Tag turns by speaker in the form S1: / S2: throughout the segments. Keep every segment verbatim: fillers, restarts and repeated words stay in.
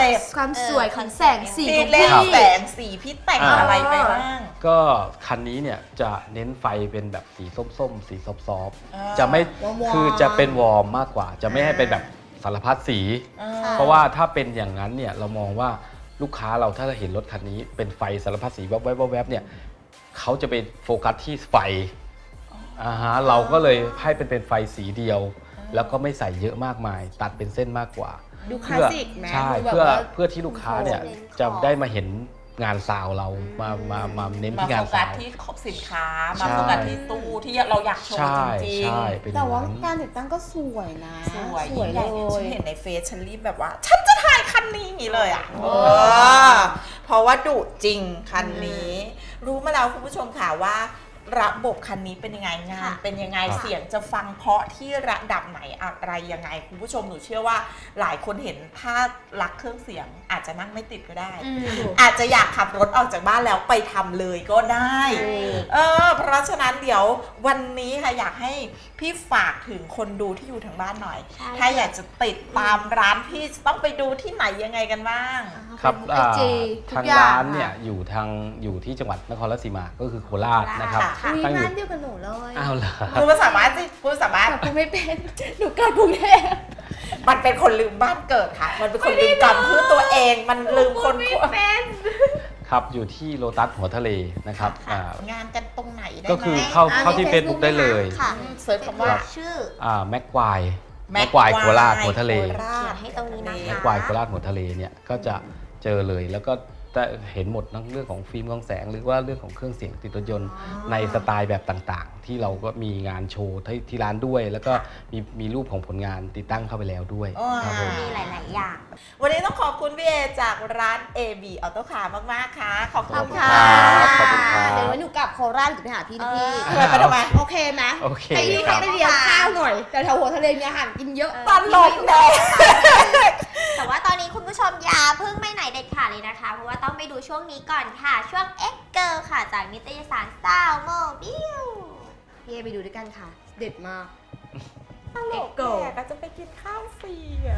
S1: ป
S2: ความสวยของแสงสี
S1: พี่
S2: ของ
S1: เล่น
S2: พี่
S1: แสงสีพี่แต่งอะไรไปบ้าง
S3: ก็คันนี้เนี่ยจะเน้นไฟเป็นแบบสีส้มๆ สีซอฟ
S1: อ่า
S3: ๆจะไม่
S2: วอร์มๆ
S3: คือจะเป็นวอร์มมากกว่า จะไม่ให้เป็นแบบสารพัดสี
S1: อ่า
S3: เพราะว่าถ้าเป็นอย่างนั้นเนี่ยเรามองว่าลูกค้าเราถ้าเห็นรถคันนี้เป็นไฟสารพัดสีแวบๆแวบๆเนี่ยเขาจะไปโฟกัสที่ไฟอ่าฮะเราก็เลยให้เป็นเป็นไฟสีเดียว แล้วก็ไม่ใส่เยอะมากมาย ตัดเป็นเส้นมากกว่า
S2: ดูคลาสสิกนะ
S3: ใช่
S2: ดูแบบ
S3: เพื่อ
S2: ว่า
S3: เพื่อที่ลูกค้าเนี่ยจะได้มาเห็นงานซาวเรามามามาเน้น
S1: มา
S3: ที่
S1: โฟ
S3: งาน
S1: กั
S3: ซา
S1: ส
S3: ว
S1: ที่ขอบสินค้า มา
S3: ใช่
S1: โฟกัสที่ตู้ที่เราอยากโชว์
S3: ใช่
S1: จริง
S3: ใช่เป็นอ
S2: แต่
S3: ย่าง
S2: ว่า
S3: นั้น
S2: การติดตั้งก็สวยนะ
S1: ๆ สวย
S2: สวย
S1: ยิ่ง
S2: เล
S1: ใหญ่ฉัน
S2: ย
S1: เห็นในเฟซฉันรีบแบบว่า ฉันจะถ่ายคันนี้อย่างนี้เลยอ่ะ
S2: โอ้
S1: เออเพราะว่าดุจริงคันนี้ รู้มาแล้วคุณผู้ชมค่ะว่า ระบบคันนี้เป็นยังไงงาน
S4: ค่ะ
S1: เป็นยังไง
S3: ครับ
S1: เสียงจะฟังเพราะที่ระดับไหนอะไรยังไงคุณผู้ชมหนูเชื่อว่าหลายคนเห็นถ้ารักเครื่องเสียงอาจจะนั่งไม่ติดก็ได้
S2: อืม
S1: อาจจะอยากขับรถออกจากบ้านแล้วไปทำเลยก็ได้ เออ เพราะฉะนั้นเดี๋ยววันนี้ค่ะอยากให้พี่ฝากถึงคนดูที่อยู่ทางบ้านหน่อย
S4: ใช่
S1: ถ้าอยากจะติดตามร้านพี่จะต้องไปดูที่ไหนยังไงกันบ้าง
S3: ครับ
S2: ไอจี
S3: อ่า
S2: ทุก
S3: ทาง
S2: อย่าง
S3: ร้านเนี่ย
S2: ค่ะ
S3: อยู่ทางอยู่ที่จังหวัดนครราชสีมาก็คือโคราชนะครับ
S1: ค่ะ
S2: อุ้ย
S3: ตั้งอยู่
S2: บ้านเดียวกับหนูเลย
S3: อ้าวเหรอ
S1: คุณสามารถสิคุณสามารถ
S2: แต่กูไม่เป็น หนูเกิดกรุงเทพ
S1: มันเป็นคนลืมบ้านเกิดค่ะ มันเป็นคนลืมกรรมเพื่อตัวเอง มันลืมคน
S2: ไม่เป็น
S3: ครับอยู่ที่โลตัสหัวทะเลนะครับอ่าง
S1: านกันตรงไหนได้ไหม
S3: ก็คือเข้า
S2: อ่า
S3: เข้าที่
S2: มี
S3: Facebook ได้เลย
S4: ค่ะ
S1: อืมเสิร์ชคำว่า
S4: ชื่อ
S3: อ่าแม็กควายแม็กควายโคราชหัวทะเล
S1: โคราช
S4: เขียนให้ตรงนี้นะคะ
S3: แม็กควายโคราชหัวทะเลเนี่ยก็จะเจอเลยแล้วก็จะเห็นหมดทั้งเรื่องของฟิล์มกล้องแสง หรือว่าเรื่องของเครื่องเสียงติดรถยนต์ในสไตล์แบบต่างๆ ที่เราก็มีงานโชว์ที่ที่ร้านด้วย แล้วก็มีมีรูปของผลงานติดตั้งเข้าไปแล้วด้วย
S1: อ๋อ
S3: ครับผม
S4: มีหลาย ๆ อย่าง
S1: วันนี้ต้องขอบคุณพี่เอจากร้าน เอ บี Auto Car มาก ๆ ค่ะ ขอบคุณ
S3: ขอบคุณ
S1: ค่ะ
S3: รับขอบคุณครับ
S2: เดี๋ยววันหนูกลับโคราชหรือไปหาพี่นะพี่
S1: เออไปทำไม
S2: โอเคไหม
S3: โอเค
S2: ให้พี่
S3: ครั
S2: เขา
S3: บ
S2: ไปเลี้ยงข้าวหน่อย แต่แถวหัวทะเลมีอาหารกินเยอะ
S1: ตลกเลย
S4: แต่ว่าตอนนี้คุณผู้ชมอย่าเพิ่งไม่ไหนเด็ดขาดเลยนะคะ เพราะว่าต้องไปดูช่วงนี้ก่อนค่ะ ช่วง X Girl ค่ะ จากนิตยสารสาวโมบิล
S2: พี่เอไปดูด้วยกันค่ะ เด็ดมาก
S1: ตลกแกก็จะไปกินข้าวฟรีอ่ะ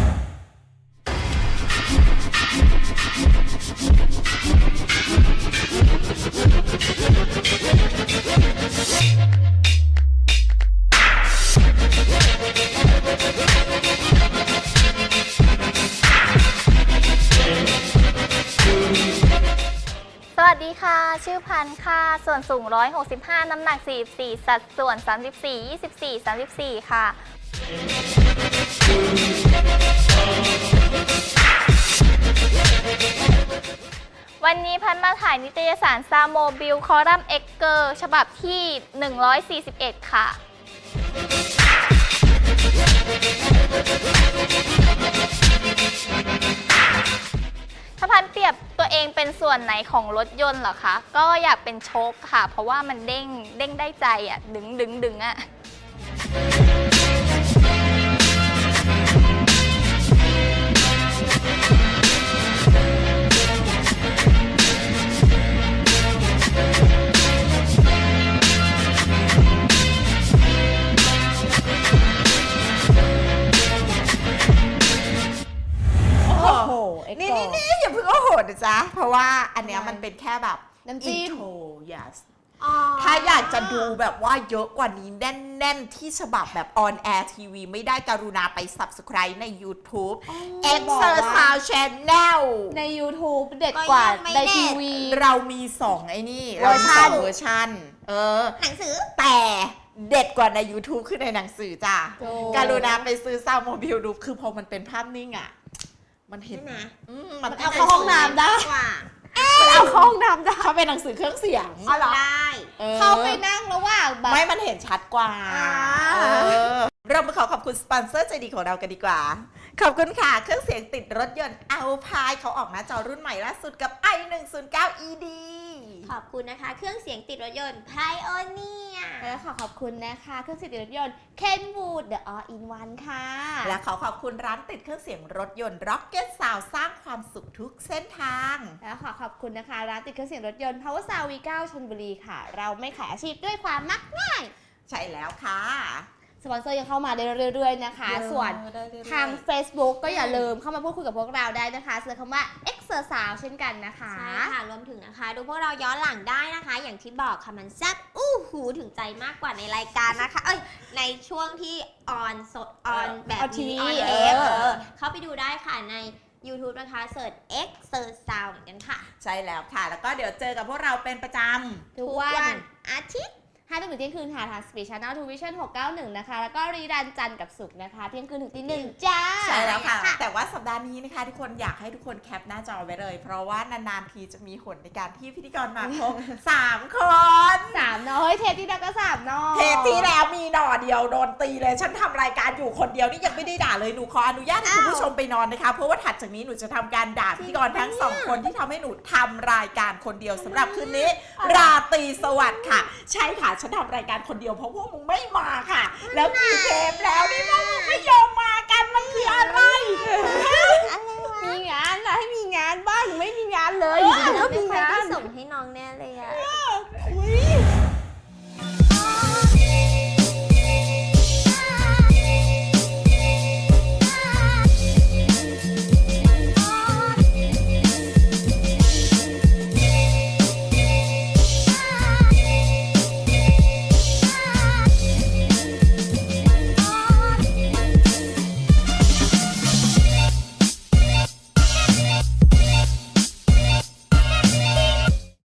S5: สวัสดีค่ะ ชื่อพันธุ์ค่ะ ส่วนสูงหนึ่งร้อยหกสิบห้า น้ำหนัก สี่สิบสี่ สัดส่วน สามสิบสี่ ยี่สิบสี่ สามสิบสี่ ค่ะ วันนี้พันธุ์มาถ่ายนิตยสารซาโมบิลคอลัมน์เอ็กเกอร์ฉบับที่ หนึ่งร้อยสี่สิบเอ็ด ค่ะ ถ้าพันเปรียบตัวเองเป็นส่วนไหนของรถยนต์เหรอคะ ก็อยากเป็นโชคค่ะ เพราะว่ามันเด้งเด้งได้ใจอ่ะ ดึงดึงดึงอ่ะ
S1: โอ้โห
S2: โอ้โห X
S1: นี่
S2: Girl
S1: นี่นี่อย่าเพิ่งโอ้โหนะจ๊ะ เพราะว่าอันเนี้ย
S2: ทำไม
S1: มันเป็นแค่แบบ
S2: น้ำจิ้ม
S1: intro yes ถ้าอยากจะดูแบบว่าเยอะกว่านี้แน่น ๆ ที่ฉบับแบบ on air ทีวีไม่ได้กรุณาไป subscribe ใน YouTube
S2: อ๋อ
S1: X
S2: บอกว่า
S1: Sound Channel
S2: ใน YouTube เด็ดกว่า
S4: ก็ยังไม่
S2: ใน
S4: เด็ด
S2: ทีวี
S1: เรามีสองไอ้นี่
S2: เว
S1: เรา
S2: อร์
S1: มี
S2: ชั
S1: ส
S2: น
S1: องเวอร์ชันเออ
S4: หนังสือ
S1: แต่เด็ดกว่าใน YouTube คือในหนังสือจ้ะ
S2: โอ้
S1: การุณาไปซื้อซาวโมบิลดูคือพอมันเป็นภาพนิ่งอ่ะ มันเห็น
S4: ใช่ไหม
S1: อืมมัน
S2: เอาเข้าห้องน้ำได้
S4: กว่า
S2: มันเอาเข้าห้องน้ำได้
S1: เขาเป็นหนังสือเครื่องเสียง
S4: อ๋อเหรอได้
S1: ออ
S2: เข้าไปนั่งระหว่างแบบ
S1: ไม่มันเห็นชัดกว่า
S2: อ่า
S1: เออเรามาขอขอบคุณสปอนเซอร์ใจดีของเรากันดีกว่า ขอบคุณค่ะ เครื่องเสียงติดรถยนต์เอาพายเขาออกหน้าจอรุ่นใหม่ล่าสุดกับ ไอ หนึ่งศูนย์เก้า อี ดี
S4: ขอบคุณนะคะ เครื่องเสียงติดรถยนต์ Pioneer
S2: แล้วขอขอบคุณนะคะ เครื่องเสียงติดรถยนต์ Kenwood The All in One ค่ะ
S1: และขอขอบคุณร้านติดเครื่องเสียงรถยนต์ Rocket Sound สร้างความสุขทุกเส้นทาง
S2: แล้วขอขอบคุณนะคะ ร้านติดเครื่องเสียงรถยนต์ Power Sound วี เก้า ชลบุรีค่ะ เราไม่ขายอาชีพด้วยความมักง่าย
S1: ใช่แล้วค่ะ
S2: สปอนเซอร์ยังเข้ามาได้เรื่อยๆนะคะ ส่วนทาง Facebook ก็อย่าลืมเข้ามาพูดคุยกับพวกเราได้นะคะเสิร์ชคำว่า Exercise เช่นกันนะคะ
S4: ใช่ค่ะรวมถึงนะคะ ดูพวกเราย้อนหลังได้นะคะ อย่างที่บอกค่ะมันแซ่บอู้หูถึงใจมากกว่าในรายการนะคะ เอ้ยในช่วงที่ออนสดออนแบบ
S2: ออนทีวี
S4: นี้ออน
S2: เอ
S4: เอ
S2: อ
S4: ฟเข้าไปดูได้ค่ะใน YouTube นะคะเสิร์ช X เสิร์ช Sound เหมือนกันค่ะ
S1: ใช่แล้วค่ะ แล้วก็เดี๋ยวเจอกับพวกเราเป็นประจำ
S2: ทุกวันอาทิตย์ห้าทุ่มถึงเที่ยงคืนค่ะทาง Speed Channel ทู Vision หกเก้าหนึ่งนะคะ แล้วก็รีรันจันทร์กับศุกร์นะคะเที่ยงคืนถึงตีหนึ่งจ้า
S1: ใช่แล้วค่ะ แต่ว่าสัปดาห์นี้นะคะทุกคนอยากให้ทุกคนแคปหน้าจอไว้เลย เพราะว่านานๆทีจะมีหนในการที่พิธีกรมาครบ สามคน
S2: สามน้อยเทปที่แล้วก็สามน้อย
S1: เทปที่แล้วมีหน่อเดียวโดนตีเลย ฉันทำรายการอยู่คนเดียวนี่ยังไม่ได้ด่าเลยหนูขออนุญาตให้คุณผู้ชมไปนอนนะคะเพราะว่าถัดจากนี้หนูจะทำการด่าพิธีกรทั้งสองคนที่ทำให้หนูทำรายการคนเดียวสำหรับคืนนี้ ราตรีสวัสดิ์ค่ะ ใช่ค่ะฉันทำรายการคนเดียวเพราะพวกมึงไม่มาค่ะ แล้วกี่เทปแล้วนี่พวกมึงไม่ยอมมากันมันคืออะไร
S2: มีงานนะให้มีงานบ้างไม่มีงานเลยอยู่ดีๆก็มีงาน